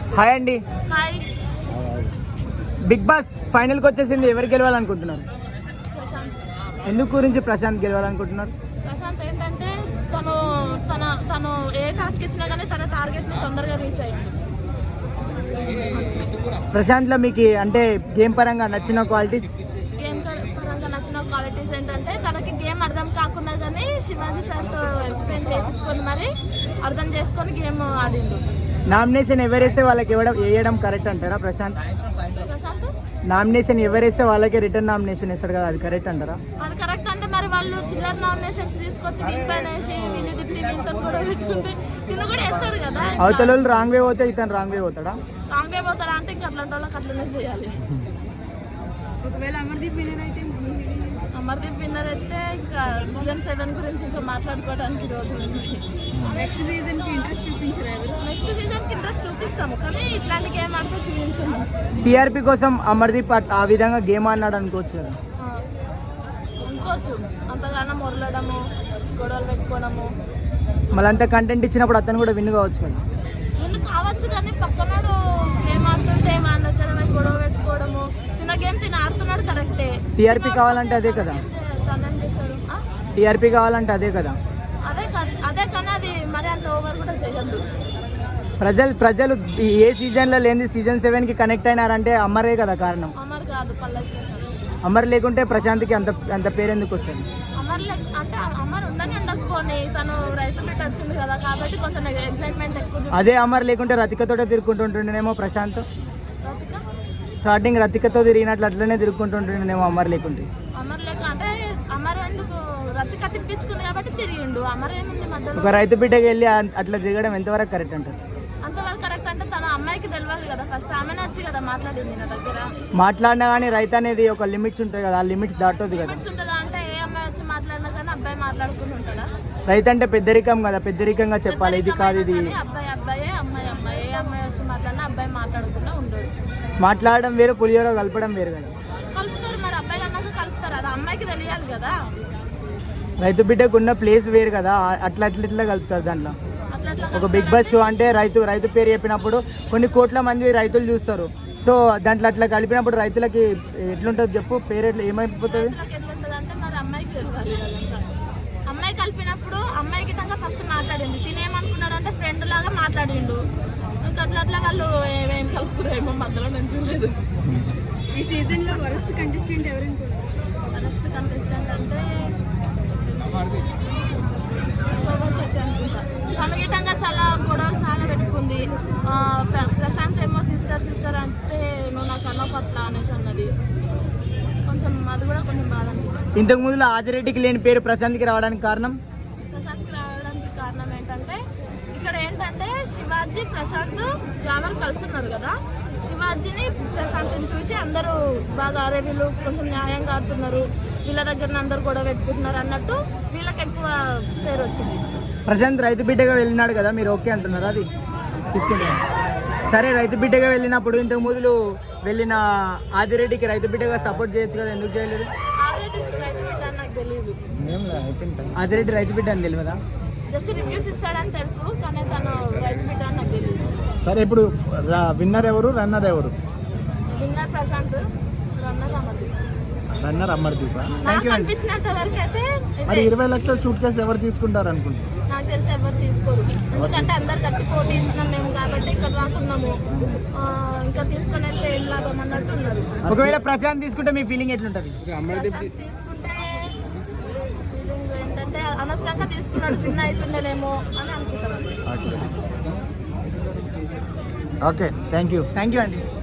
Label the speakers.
Speaker 1: Hi అండి.
Speaker 2: Hi.
Speaker 1: Big boss ఫైనల్కి వచ్చేసింది. ఎవరు గెలవాలనుకుంటున్నారు?
Speaker 2: ప్రశాంత్.
Speaker 1: ఎందుకు గురించి ప్రశాంత్ గెలవాలనుకుంటున్నారు?
Speaker 2: ప్రశాంత్ ఏంటంటే తను ఏ టాస్క్ ఇచ్చినా కానీ తన టార్గెట్ని తొందరగా రీచ్ అయ్యింది.
Speaker 1: ప్రశాంత్లో మీకు అంటే గేమ్ పరంగా నచ్చిన క్వాలిటీస్?
Speaker 2: గేమ్ పరంగా నచ్చిన క్వాలిటీస్ ఏంటంటే తనకి గేమ్ అర్థం కాకుండా కానీ శివాజీ సార్తో ఎక్స్ప్లెయిన్ చేయించుకొని మరి అర్థం చేసుకొని గేమ్ ఆడిండు.
Speaker 1: నామినేషన్ ఎవరేస్తే వాళ్ళకి వేయడం కరెక్ట్ అంటారా? ప్రశాంత్ నామినేషన్ ఎవరేస్తే వాళ్ళకి రిటర్న్ నామినేషన్ వేస్తారు కదా, అది కరెక్ట్ అంటారా?
Speaker 2: అది కరెక్ట్ అంటే మరి వాళ్ళు చిల్లర నామినేషన్స్ తీసుకొచ్చి వీళ్ళపైన వేసి వీళ్ళు తిప్పి వీళ్ళతో కూడా పెట్టుకుంటే తిను కూడా వేస్తాడు కదా.
Speaker 1: అవతల వాళ్ళు రాంగ్ వే పోతే ఇతను రాంగ్ వే పోతాడా?
Speaker 2: రాంగ్ వే పోతాడా అంటే ఇంకా అట్లాంటి వాళ్ళకి అట్లనే చేయాలి.
Speaker 3: ఒకవేళ అమర్దీప్ విన్నర్ అయితే
Speaker 2: ఇంకా సీజన్ 7 గురించి ఇంకా మాట్లాడుకోవడానికి రోజులు ఉన్నాయి.
Speaker 3: నెక్స్ట్ సీజన్కి ఇంట్రెస్ట్ చూపించారు ఎవరు?
Speaker 2: నెక్స్ట్ సీజన్కి ఇంట్రెస్ట్ చూపిస్తాము కానీ ఇట్లాంటి గేమ్ ఆడితే చూపించాము.
Speaker 1: టీఆర్పీ కోసం అమర్దీప్ ఆ విధంగా గేమ్ ఆడినాడు అనుకోవచ్చు కదా?
Speaker 2: అనుకోవచ్చు. అంతగానో మొరలడము, గొడవలు పెట్టుకోవడము,
Speaker 1: మళ్ళీ అంత కంటెంట్ ఇచ్చినప్పుడు అతను కూడా విన్ కావచ్చు కదా?
Speaker 2: విన్ కావచ్చు కానీ పక్కనాడు గేమ్ ఆడుతుంటే మా దగ్గర గొడవ పెట్టుకోవడము. తిన గేమ్ ఆడుతున్నాడు కరెక్టే.
Speaker 1: టీఆర్పీ కావాలంటే అదే కదా? టీఆర్పీ కావాలంటే అదే కదా?
Speaker 2: అదే కానీ అది మరి అంత ఓవర్ కూడా చేయొద్దు.
Speaker 1: ప్రజలు ఏ సీజన్లో లేని సీజన్ 7కి కనెక్ట్ అయినారంటే అమరే కదా కారణం?
Speaker 2: అమర్ కాదు, పల్లవి ప్రశాంత్.
Speaker 1: అమర్ లేకుంటే ప్రశాంత్కి అంత పేరు ఎందుకు వస్తుంది?
Speaker 2: అంటే అమర్ ఉండకపోని తను రైతు బిడ్డ వచ్చింది కదా కాబట్టి కొంచెం ఎక్సైట్మెంట్ ఎక్కువ.
Speaker 1: అదే అమర్ లేకుంటే రతికతోటే తిరుగుకుంటుంటుండేనేమో ప్రశాంత్. స్టార్టింగ్ రతికతో తిరిగినట్లు అట్లనే తిరుగుకుంటుంటుండేమో అమర్ లేకుంటే.
Speaker 2: అమర్ లేక అంటే అమర్ ఎందుకు రతిక తిప్పించుకుంది కాబట్టి తిరిగిండు. అమర్ ఏముంది మధ్యలో?
Speaker 1: ఒక రైతు బిడ్డకి వెళ్ళి అట్లా తిరగడం ఎంతవరకు కరెక్ట్ అంటారు?
Speaker 2: అంతవరకు కరెక్ట్ అంటే తన అమ్మాయికి తెలియాలి కదా ఫస్ట్. ఆమెనే వచ్చి కదా మాట్లాడింది నా దగ్గర.
Speaker 1: మాట్లాడినా కానీ రైతు అనేది ఒక లిమిట్స్ ఉంటాయి కదా, ఆ లిమిట్స్ దాటొద్దు కదా.
Speaker 2: లిమిట్స్ ఉంటుందా అంటే ఏ అమ్మాయి వచ్చి మాట్లాడినా కానీ అబ్బాయి మాట్లాడుకుని ఉంటుందా?
Speaker 1: రైతు అంటే పెద్దరికం కదా, పెద్దరికంగా చెప్పాలి. ఇది కాదు ఇది.
Speaker 2: అబ్బాయి అబ్బాయే, అమ్మాయి అమ్మాయి. ఏ అమ్మాయి వచ్చి మాట్లాడినా అబ్బాయి మాట్లాడకుండా ఉండడు.
Speaker 1: మాట్లాడడం వేరు, పులిహోర కలపడం వేరు కదా.
Speaker 2: కలుపుతారు మరి, అబ్బాయి అన్నాక కలుపుతారు. అది అమ్మాయికి తెలియాలి కదా.
Speaker 1: రైతు బిడ్డకు ఉన్న ప్లేస్ వేరు కదా, అట్లా కలుపుతారు దాంట్లో. ఒక బిగ్ బాస్ షో అంటే రైతు పేరు చెప్పినప్పుడు కొన్ని కోట్ల మంది రైతులు చూస్తారు. సో దాంట్లో అట్లా కలిపినప్పుడు రైతులకి ఎట్లుంటుంది చెప్పు? పేరు ఎట్లా ఏమైపోతుంది?
Speaker 2: ఎట్లుంటుంది అంటే మరి అమ్మాయికి తెలియాలి కదా. అమ్మాయి కలిపినప్పుడు అమ్మాయికి ఫస్ట్ మాట్లాడింది. తినేమనుకున్నాడు అంటే ఫ్రెండ్ లాగా మాట్లాడిండు. ఇంకా అట్లా వాళ్ళు ఏమేమి కలుపుకురేమో మధ్యలో నేను చూడలేదు.
Speaker 3: ఈ సీజన్లో వరస్ట్ కంటెస్టెంట్ ఎవరైనా?
Speaker 2: వరస్ట్ కంటెస్టెంట్ అంటే శోభా శెట్టి అనుకుంటా. తనగిటంగా చాలా గొడవలు చాలా పెట్టుకుంది. ప్రశాంత్ ఏమో సిస్టర్ అంటే నువ్వు నాకు అనపట్ల అనేసి అన్నది. కొంచెం అది కూడా కొంచెం బాధ అనిపించింది.
Speaker 1: ఇంతకు ముందు ఆదిరెడ్డికి లేని పేరు ప్రశాంత్కి రావడానికి కారణం?
Speaker 2: ప్రశాంత్కి రావడానికి కారణం ఏంటంటే ఇక్కడ ఏంటంటే శివాజీ ప్రశాంత్ గ్లామర్ కలుసున్నారు కదా. శివాజీని ప్రశాంత్ని చూసి అందరూ బాగా అరే వీళ్ళు కొంచెం న్యాయంగా ఆడుతున్నారు, వీళ్ళ దగ్గర అందరూ గొడవ పెట్టుకుంటున్నారు అన్నట్టు వీళ్ళకి ఎక్కువ పేరు వచ్చింది.
Speaker 1: ప్రశాంత్ రైతు బిడ్డగా వెళ్ళినాడు కదా, మీరు ఓకే అంటున్నారా? అది తీసుకుంటున్నారు. సరే, రైతు బిడ్డగా వెళ్ళినప్పుడు ఇంతకు ముందు వెళ్ళిన ఆదిరెడ్డికి రైతు బిడ్డగా సపోర్ట్ చేయొచ్చు కదా, ఎందుకు చేయలేదు?
Speaker 2: ఆదిరెడ్డి రైతు బిడ్డ అని నాకు తెలియదు.
Speaker 1: ఆదిరెడ్డి రైతు బిడ్డ అని తెలియదా?
Speaker 2: జస్ట్ రివ్యూస్ ఇస్తాడని తెలుసు కానీ తను రైతు బిడ్డ అని నాకు తెలియదు.
Speaker 4: సరే, ఇప్పుడు విన్నర్ ఎవరు, రన్నర్ ఎవరు?
Speaker 2: Winner Prashanth,
Speaker 4: runner Amardeep.
Speaker 2: నాకు అనిపించినంత వరకు అయితే
Speaker 4: మరి 20 లక్షల సూట్ కేసు ఎవరు తీసుకుంటారు అనుకుంటున్నారు?
Speaker 2: నాకు తెలిసి ఎవరు తీసుకోరు. ఎందుకంటే అందరు కట్టి పోటీ ఇచ్చినాం మేము కాబట్టి ఇక్కడ రాకున్నాము. ఇంకా తీసుకుని అయితే ఏం లాభం అన్నట్టు ఉన్నారు.
Speaker 1: ఒకవేళ ప్రశాంత్ తీసుకుంటే మీ ఫీలింగ్ ఎట్లుంటది?
Speaker 2: తీసుకుంటే ఫీలింగ్ ఏంటంటే అనవసరంగా తీసుకున్నాడు, విన్ అవుతుండేనేమో అని అనుకుంటారు.
Speaker 4: ఓకే, థ్యాంక్ యూ
Speaker 1: అండి.